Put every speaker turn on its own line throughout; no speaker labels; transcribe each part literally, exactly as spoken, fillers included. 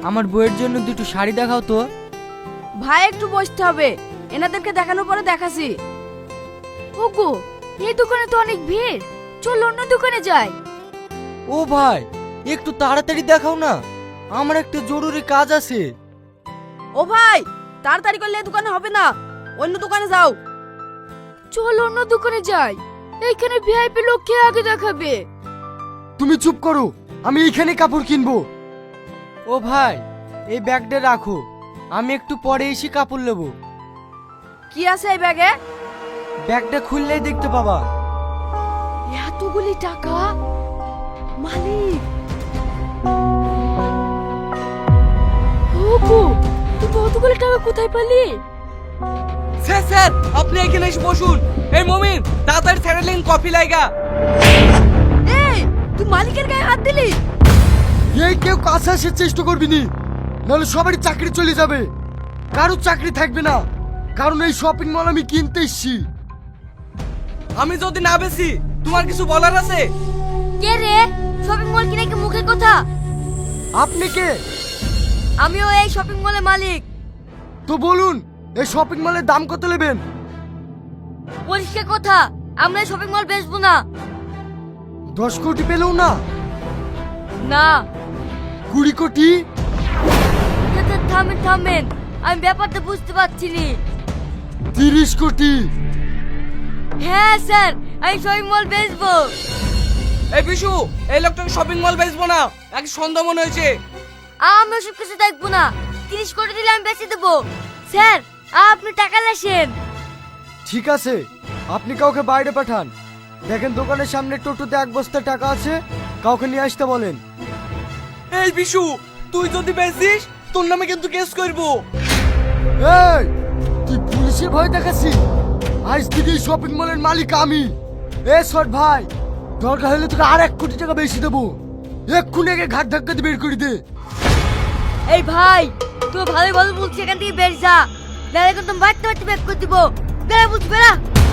আমার বউয়ের জন্য দুটো শাড়ি দেখাও তো।
ভাই একটু বসতে হবে, এনাদেরকে দেখানোর পরে দেখাছি। ওগো, এই দোকানে তো অনেক ভিড়, চল অন্য দোকানে যাই।
ও ভাই, একটু তাড়াতাড়ি দেখাও না, আমার একটা জরুরি কাজ আছে।
ও ভাই, তাড়াতাড়ি করলে এই দোকানে হবে না, অন্য দোকানে যাও। চল অন্য দোকানে যাই, এইখানে ভিআইপি লোককে আগে দেখাবে।
তুমি চুপ করো, আমি এইখানে কাপড় কিনবো।
ও ভাই, এই ব্যাগটা রাখো, আমি একটু পরে এসে কাপড় নেবো।
কি আছে এই ব্যাগে?
ব্যাগটা খুললেই দেখতে পাবা।
এতগুলি টাকা, মালিক। ওগো, তুই কতগুলি টাকা কোথায় পেলি?
স্যার স্যার আপনি এখানে এসে বসুন। এই মমিন, তাড়াতাড়ি স্যারেলিন কফি লাইগা।
এই, তুই মালিকের গায়ে হাত দিলি?
এই কেউ কাছে আসার চেষ্টা করবি নি, নাহলে সবারই চাকরি চলে যাবে, কারো চাকরি থাকবে না। কারণ এই শপিং মল আমি কিনতে এসেছি।
আমি যদি না বেশি, তোমার কিছু বলার আছে?
কে রে? শপিং মল কিনে কি মুখের কথা?
আপনি কে?
আমিও এই শপিং মলের মালিক।
তো বলুন, এই শপিং মলের দাম কত নেবেন?
পরিষ্কার কথা, আমরা এই শপিং মল বেচবো না।
দশ কোটি পেলেও না?
না।
কুড়ি কোটি?
থামেন থামেন, আমি ব্যাপারটা বুঝতে পারছি নি।
তিরিশ কোটি?
হ্যাঁ স্যার, আমি শপিং মল বেচবো।
এই বিশু, এই লোকটাকে শপিং মল বেচবো না, এক সন্দেহ মনে হয়েছে।
আমি ওসব কিছু দেখবো না, তিরিশ কোটি দিলে আমি বেচে দেবো। স্যার, আপনি টাকা লেসেন।
ঠিক আছে, আপনি কাউকে বাইরে পাঠান। দেখেন দোকানের সামনে টোটোতে এক বস্তা টাকা আছে, কাউকে নিয়ে আসতে বলেন।
এই বিশু, তুই যদি বেচিস, তোর নামে কিন্তু কেস করবো।
এই, তুই পুলিশের ভয় দেখাচ্ছি? আজ থেকে এই শপিং মলের মালিক আমি। এ শট ভাই, দরকার হলে তোকে আর এক কোটি টাকা বেশি দেবো। এক্ষুনি একে ঘাট ধাক্কা দিয়ে বের করে দে।
এই ভাই, তুই ভালোই ভালো বলছিস, এখান থেকে বের যা, নাহলে কিন্তু বাড়তে বাড়তে ব্যাক করে দিব। বেড়া বলছি, বেড়া।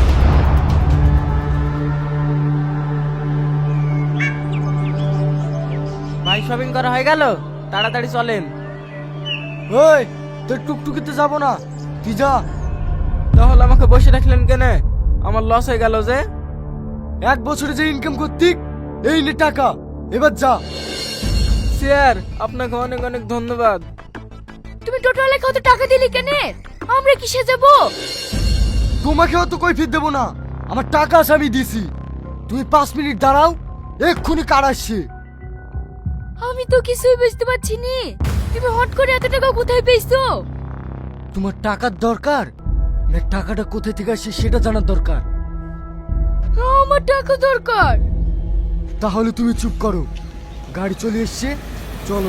ভাই, শপিং করা হয়ে গেল, তাড়াতাড়ি চলেন।
ওই, তোর টুকটুকিতে যাবো না, তুই যা।
তাহলে আমাকে বসে রাখলেন কেন? আমার লস হয়ে গেল যে।
এক বছরে যে ইনকাম করতি, এই নে টাকা, এবার যা।
স্যার, আপনাকে অনেক অনেক ধন্যবাদ।
তুমি টোটালে কত টাকা দিলি কেন? আমরা কিসে যাব?
তোমাকে অত কৈফিয়ত দেবো না, আমার টাকা আছে, আমি দিছি। তুমি পাঁচ মিনিট দাঁড়াও, এক্ষুনি কার আসছে।
আমি তো কিছুই বুঝতে পারছি নি, তুমি হট করে এত টাকা কোথায় পেয়েছো?
তোমার টাকার দরকার না টাকাটা কোথায় থেকে আসছে সেটা জানার দরকার?
আমার টাকা দরকার।
তাহলে তুমি চুপ করো, গাড়ি চলে এসছে, চলো।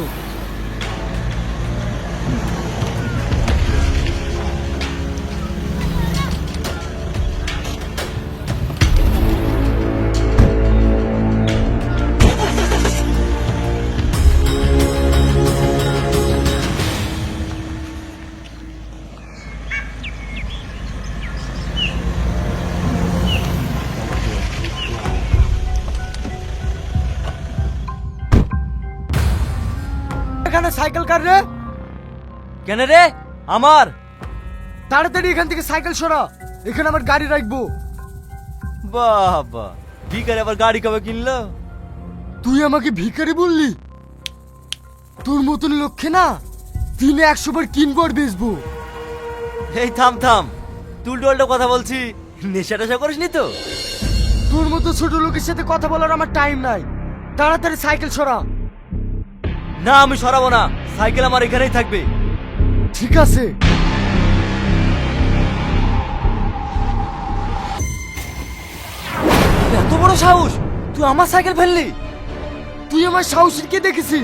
এখানে সাইকেল কার রে?
কেন রে? আমার।
তাড়াতাড়ি এখান থেকে সাইকেল সরা, এখানে আমার গাড়ি রাখবো।
বাবা, ভিখারি আবার গাড়ি কবে কিনলো?
তুই আমাকে ভিখারি বললি? তোর মতন লক্ষ্যে না, দিনে একশো বার কিনবো আর বেচবো।
এই থাম থাম, তুই টোল্টো কথা বলছি, নেশা টেশা করিসনি তো?
তোর মতো ছোট লোকের সাথে কথা বলার আমার টাইম নাই, তাড়াতাড়ি সাইকেল সরা।
না, আমি সরাবো না, সাইকেল আমার এখানেই থাকবে।
ঠিক আছে।
এত বড় সাহস, তুই আমার সাইকেল ফেললি?
তুই আমার সাহসের কে দেখেছি?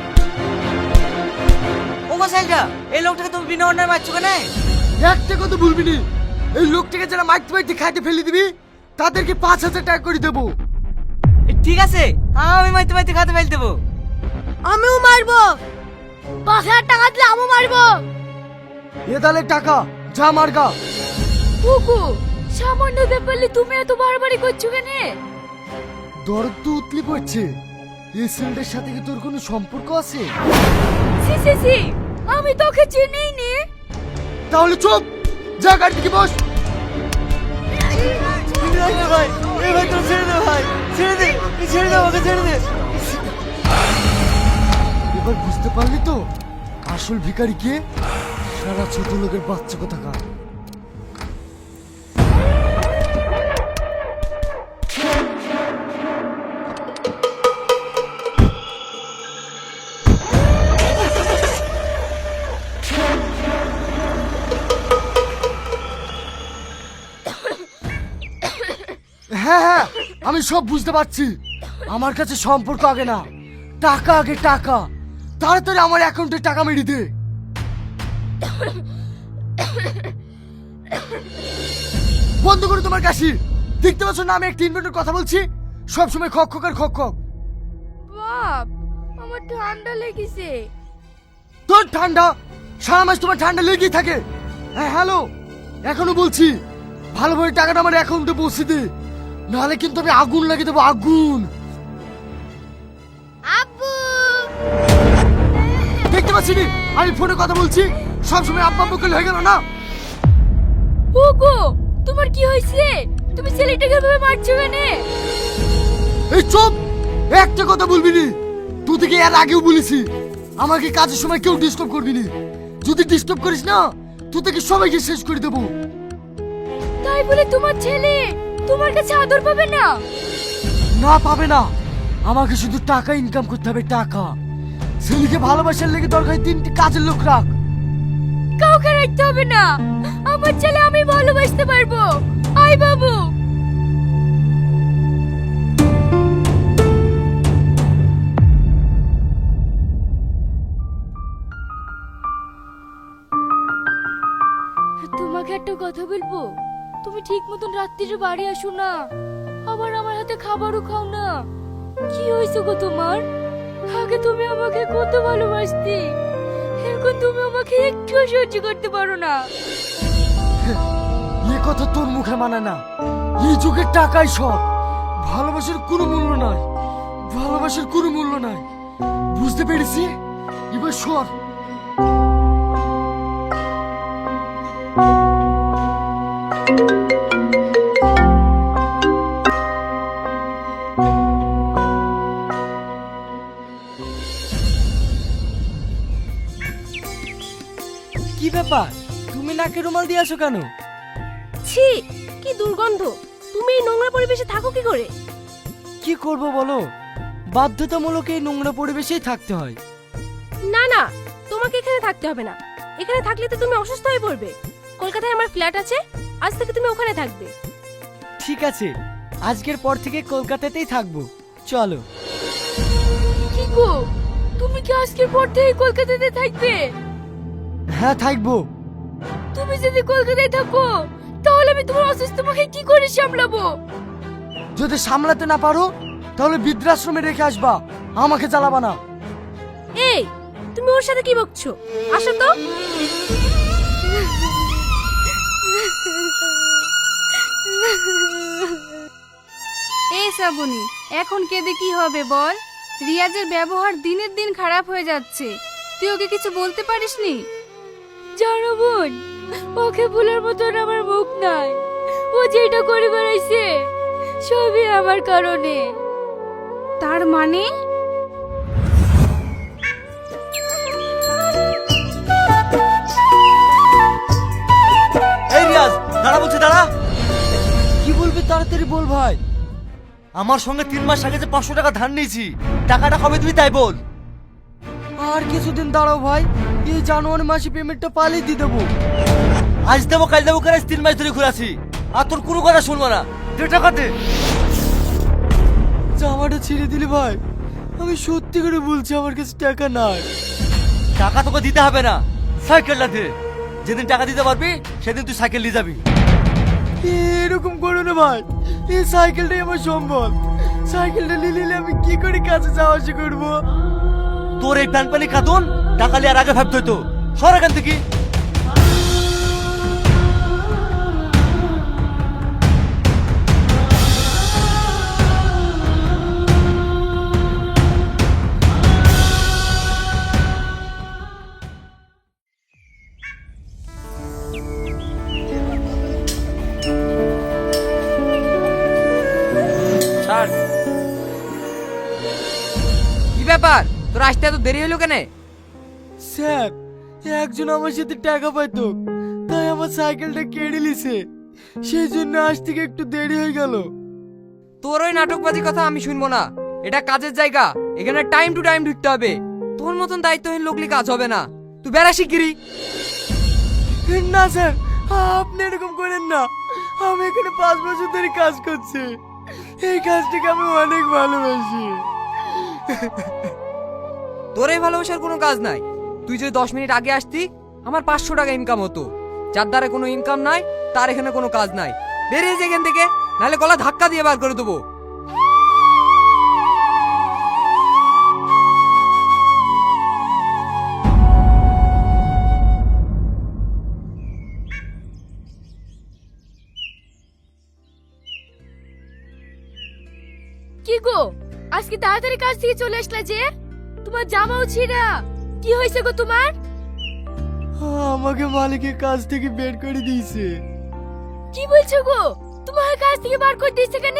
ও সাইকেলটা, এই লোকটাকে তুমি বিনা অন্যায় মারছো কেন?
একটা কথা ভুলবি নি, এই লোকটাকে যারা মাইতে মাইতে খাইতে ফেলে দিবি, তাদেরকে পাঁচ হাজার টাকা করে দেবো।
ঠিক আছে, আমি মাইতে মাইতে খাতে ফেল দেবো।
আমিও মারবো, পাঁচ হাজার টাকা দিলে আমিও মারবো।
এ তাহলে টাকা, যা মার্গা।
ওগো, সামান্য ব্যাপারে তুমি এত বাড়াবাড়ি করছো কেন?
দরদ তো উতলি পড়ছে, এই ছেলেটার সাথে কি তোর কোনো সম্পর্ক আছে?
সি সি সি, আমি তোকে চিনিই নি।
তাহলে চুপ, যা গাড়ি থেকে বস।
ভাই এই ভাই তোর ছেড়ে দে ভাই, ছেড়ে দে, ছেড়ে দে আমাকে, ছেড়ে দে।
এবার বুঝতে পারলি তো আসল ভিখারি কে? সারা ছোট লোকের বাচ্চা কোথাকার। হ্যাঁ হ্যাঁ, আমি সব বুঝতে পারছি। আমার কাছে সম্পর্ক আগে না, টাকা আগে, টাকা। তাড়াতাড়ি আমার অ্যাকাউন্টে টাকা মেরে দে। বন্ধ করো তোমার কাশি। দেখতে পাচ্ছ না আমি একটা ইনভেন্টর কথা বলছি? সবসময় খক খক আর খক খক।
বাপ, আমার ঠান্ডা লেগেছে।
তোর ঠান্ডা? সারা মাস তোমার ঠান্ডা লেগেই থাকে। হ্যাঁ হ্যালো, এখনো বলছি ভালোভাবে টাকাটা আমার অ্যাকাউন্টে পৌঁছে দে, নাহলে কিন্তু আমি আগুন লাগিয়ে দেবো, আগুন।
আব্বু,
দেখতে পাচ্ছি নি আমি ফোনে কথা বলছি, সবসময় আব্বা আব্বু করলে হয়ে গেল না?
ওগো, তোমার কি হয়েছে? তুমি ছেলেটাকে ভাবে মারছো কেন?
এই চুপ, একটা কথা বলবি নি। তুই থেকে এর আগেও বলেছি আমাকে কাজের সময় কেউ ডিস্টার্ব করবি নি। যদি ডিস্টার্ব করিস না তুই থেকে সবাইকে শেষ করে দেবো।
তাই বলে তোমার ছেলে তোমার কাছে আদর পাবে না?
না পাবে না, আমাকে শুধু টাকা ইনকাম করতে হবে, টাকা। ছেলেকে ভালোবাসার লেগে দরকার তিনটি কাজের লোক রাখ।
কাউকে রাখতে হবে না, আমার ছেলে আমি ভালোবাসতে পারবো। আই বাবু। তোমাকে একটা কথা বলবো? তুমি ঠিক মতন রাত্রিরে বাড়ি আসো না, আবার আমার হাতে খাবারও খাও না। কি হয়েছে গো তোমার? আগে তুমি আমাকে কত ভালোবাসতে, এখন তুমি আমাকে একটু সহ্য করতে পারো না।
এ কথা তোর মুখে মানায় না। এই যুগের টাকাই সব। ভালোবাসার কোনো মূল্য নাই, ভালোবাসার কোনো মূল্য নাই। বুঝতে পেরেছি, এবার সর।
কি ব্যাপার, তুমি নাকে রুমাল দিয়ে আসো কেন?
ছি, কি দুর্গন্ধ। তুমি এই নোংরা পরিবেশে থাকো কি করে?
কি করব বলো, বাধ্যতামূলক এই নোংরা পরিবেশেই থাকতে হয়।
না না, তোমাকে এখানে থাকতে হবে না। এখানে থাকলে তো তুমি অসুস্থ হয়ে পড়বে। কলকাতায় আমার ফ্ল্যাট আছে, আজ থেকে তুমি ওখানে থাকবে।
ঠিক আছে, আজকের পর থেকে কলকাতাতেই থাকবো, চলো।
কি গো, তুমি কি আজকের পর থেকে কলকাতাতে থাকবে?
হ্যাঁ থাকবো।
তুমি যদি কলকাতায় থাকো তাহলে আমি তোমার অসুস্থ মাকে কি করে সামলাবো?
যদি সামলাতে না পারো তাহলে বৃদ্ধাশ্রমে রেখে আসবা, আমাকে জ্বালাবা না।
এই, তুমি ওর সাথে কি বকছো? আসো তো।
এই শ্রাবণী, এখন কেঁদে কি হবে বল? রিয়াজের ব্যবহার দিনের দিন খারাপ হয়ে যাচ্ছে, তুই ওকে কিছু বলতে পারিসনি?
জানো বোন, ওকে ভুলার মতন আমার মুখ নাই। ও যেটা করে বেড়াইছে সবই আমার কারণে।
তার মানে?
এই রিয়াজ, দাঁড়া বলছে, দাঁড়া। কি বলবি তাড়াতাড়ি বল ভাই। আমার সঙ্গে তিন মাস আগে যে পাঁচশো টাকা ধার নিয়েছি, টাকাটা কবে দিবি তাই বল। আর কিছুদিন দাঁড়াও ভাই, এই জানুয়ারি মাসে পেমেন্টটা পালিয়ে দিয়ে দেবো। আজ দেবো কাল দেবো করে তিন মাস ধরে ঘুরাছি, আর তোর কোনো কথা শুনবো না। দে টাকা দে। জামাটা ছিঁড়ে দিলি ভাই, আমি সত্যি করে বলছি আমার কাছে টাকা নাই। টাকা তোকে দিতে হবে না, সাইকেলটা দে। যেদিন টাকা দিতে পারবি সেদিন তুই সাইকেল নিয়ে যাবি। এরকম করো না ভাই, এই সাইকেলটাই আমার সম্বল। সাইকেলটা নিয়ে নিলে আমি কি করে কাছে যাওয়া আসা করবো? তোর এই প্যান পানি খাতুন টাকা নিয়ে আর আগে ভাবতে হতো। সর এখান থেকে।
ব্যাপার, তোর আসতে এত দেরি হলো কেন?
স্যার, একজন আমার সাথে টাকা পাইতো, তাই আমার সাইকেলটা কেড়ে নিছে, সেই জন্য আজ থেকে একটু দেরি হয়ে গেল।
তোর ওই নাটকবাজি কথা আমি শুনবো না। এটা কাজের জায়গা, এখানে টাইম টু টাইম ঢুকতে হবে। তোর মতন দায়িত্বহীন লোকলি কাজ হবে না। তুই বেড়া শিগগিরি।
না স্যার, আপনি এরকম করেন না। আমি এখানে পাঁচ বছর ধরে কাজ করছি, এই কাজটাকে আমি অনেক ভালোবাসি।
তোর এই ভালোবাসার কোনো কাজ নাই। তুই যদি দশ মিনিট আগে আসতি, আমার পাঁচশো টাকা ইনকাম হতো। যার দ্বারা কোনো ইনকাম নাই, তার এখানে কোনো কাজ নাই। বেরিয়ে যা এখান থেকে, নাহলে গলা ধাক্কা দিয়ে বার করে দেবো।
কি গো, আজকে তাড়াতাড়ি কাজ থেকে চলে আসলা যে? তোমার জামাও ছিঁড়া। কি হয়েছে গো তোমার?
আমাকে মালিকের কাজ থেকে বের করে দিয়েছে।
কি বলছো গো? তোমার কাজ থেকে বার করে দিয়েছে কেন?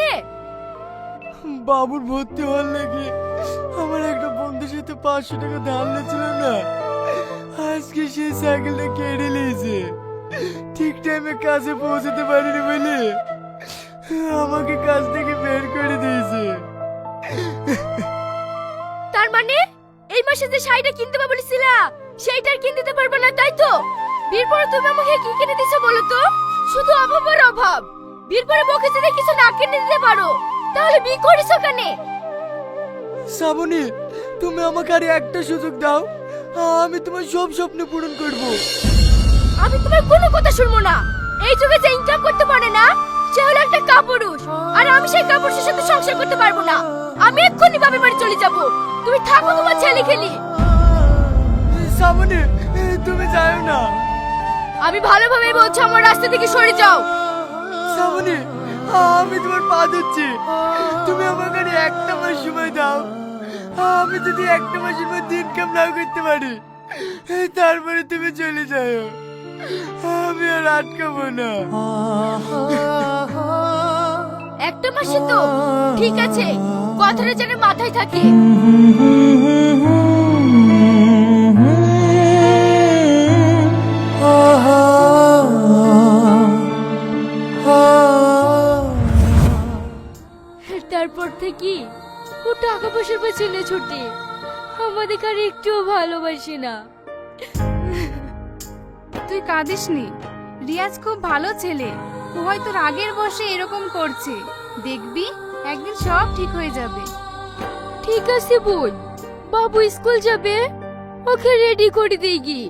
বাবুর ভর্তি হওয়ার লাগে আমার একটা বন্ধুর সাথে পাঁচশো টাকা ধার ছিল না, আজকে সেই সাইকেলটা কেড়ে নিয়েছে। ঠিক টাইমে কাজে পৌঁছাতে পারিনি বলে আমাকে কাজ থেকে বের করে দিয়েছে।
তার মানে এই মাসে যে শাড়িটা কিনতে পারবো বলেছিলা, সেইটা আর কিনতে দিতে পারবো না, তাই তো? বিয়ের পরে তুমি আমাকে কি কিনে দিছো বলো তো? শুধু অভাব আর অভাব। বিয়ের পরে বকে যদি কিছু না কিনে দিতে পারো, তাহলে বিয়ে করেছো কেন?
শ্রাবণী, তুমি আমাকে আর একটা সুযোগ দাও, আমি তোমার সব স্বপ্ন পূরণ করব।
আমি তোমার কোনো কথা শুনবো না। এই যুগে যে ইনকাম করতে পারে না, সে হলো একটা কাপুরুষ। আর আমি সেই কাপুরুষের সাথে সংসার করতে পারবো না। আমি এক্ষুনি বাপের বাড়ি চলে যাব। তুমি থাকো তোমার ছেলে খেলি।
শ্রাবণী, তুমি যাও না।
আমি ভালোভাবে বলছি, আমার রাস্তা থেকে সরে যাও।
শ্রাবণী, আমি তোমার পা ধরছি, তুমি আমাকে আর একটা মাস সময় দাও। আমি যদি একটা মাসের মধ্যে ইনকাম না করতে পারি, তারপরে তুমি চলে যাও। আমি আর আটকাবো না।
একটা মাসে তো ঠিক আছে, কথাটা যেন মাথায় থাকে। তারপর থেকে ও টাকা পয়সার পেছনে ছুটে আমাদের আর একটুও ভালোবাসে না।
তুই কাঁদিস নি, রিয়াজ খুব ভালো ছেলে। ও হয়তো রাগের বশে এরকম করছে, দেখবি একদিন সব ঠিক হয়ে যাবে।
ঠিক আছে বোন, বাবু স্কুল যাবে, ওকে রেডি করে দেই গি।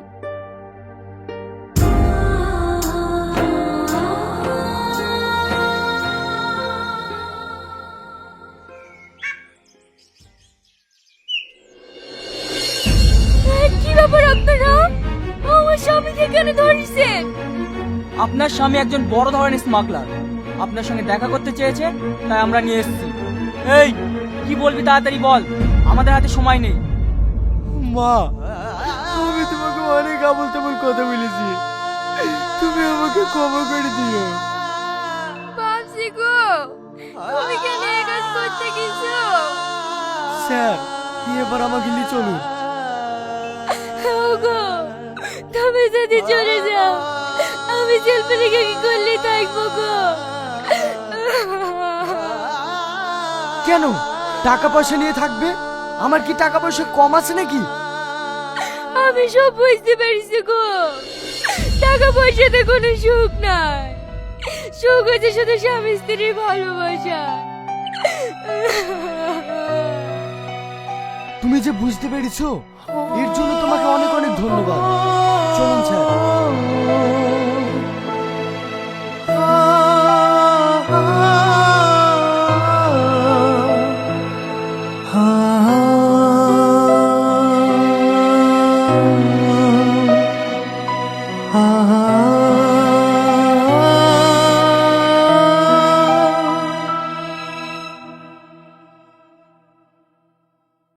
কি ব্যাপার আপনারা? আমার স্বামীকে কেন ধরেছেন?
আপনার স্বামী একজন বড় ধরনের স্মাগলার, আপনার সঙ্গে দেখা করতে চেয়েছে, তাই আমরা নিয়ে এসেছি। এই, কি বলবি তাড়াতাড়ি বল, আমাদের হাতে সময় নেই।
মা, আমি তোমাকে অনেক আবল তাবল কথা বলেছি, তুমি আমাকে ক্ষমা করে দিও।
বাপসি গো, তুমি কেন এই কাজ করতে গেছো?
স্যার, এবার আমাকে নিয়ে চলুন।
ওগো, তুমি যদি চলে যাও, আমি জেলপালিকে কি করলে থাকবো গো?
কেন টাকা পয়সা নিয়ে থাকবে? আমার কি টাকা পয়সা কম আছে নাকি?
আমি সব বুঝতে পারছি গো। টাকা পয়সাতে কোনো সুখ নাই, সুখ হচ্ছে শুধু স্বামী স্ত্রীর ভালোবাসা।
তুমি যে বুঝতে পেরেছো, এর জন্য তোমাকে অনেক অনেক ধন্যবাদ। চলুন স্যার।